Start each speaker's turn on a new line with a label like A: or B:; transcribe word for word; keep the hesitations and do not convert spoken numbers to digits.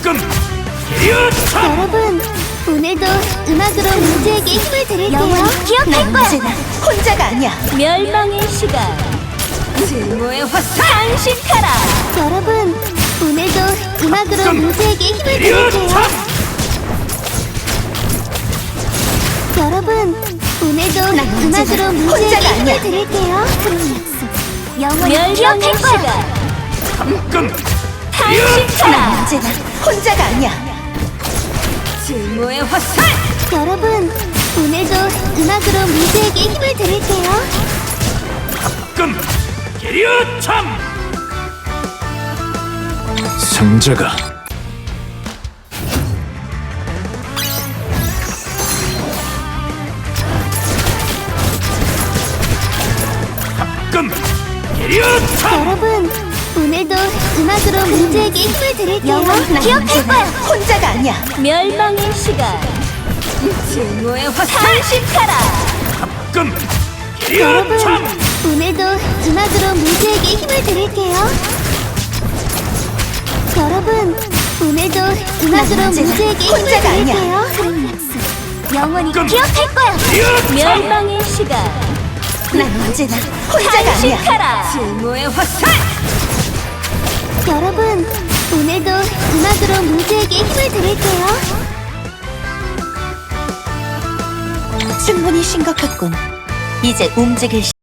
A: 가끔 기어차.
B: 여러분, 오늘도 음악으로 문제에게 힘을 드릴게요.
C: 영원히
B: 기억할 거야.
C: 언제나 혼자가 아니야.
D: 멸망의 시간.
C: 증오의 화살.
D: 탄식하라.
B: 여러분, 오늘도 음악으로
A: 가끔
B: 문제에게 힘을 드릴게요.
A: 기어차.
B: 여러분, 오늘도
C: 언제나
B: 음악으로 문제에게
C: 혼자가
B: 힘을
C: 아니야.
B: 드릴게요. 그런 약속. 영원히
D: 멸망의
B: 기억할 거야.
D: 시간.
A: 가끔
C: 난
D: 탄식하라.
C: 언제나 혼자가 아니야. 증오의 화살.
B: 여러분, 오늘도 음악으로 문제에게 힘을 드릴게요.
A: 가끔 기어참. 승자가 가끔 기어참.
B: 여러분, 오늘도 음악으로 문제에게 힘을 드릴게요.
C: 난
B: 기억할
C: 언제나
B: 거야.
C: 혼자가 아니야.
D: 멸망의 시간.
C: 증오의 화살.
D: 탄식하라.
A: 가끔
B: 여러분,
A: 기어참.
B: 오늘도 음악으로 문제에게 힘을 드릴게요. 여러분, 오늘도 음악으로
C: 난 언제나
B: 문제에게 힘을
C: 혼자가 아니야.
B: 드릴게요. 그런 약속. 영원히
A: 가끔
B: 기억할 거야.
A: 기어참.
D: 멸망의 시간.
C: 난 언제나 혼자가 아니야.
D: 탄식하라.
C: 증오의 화살.
B: 여러분, 오늘도 음악으로 문제에게 힘을 드릴게요.
C: 충분히 심각했군. 이제 움직일 시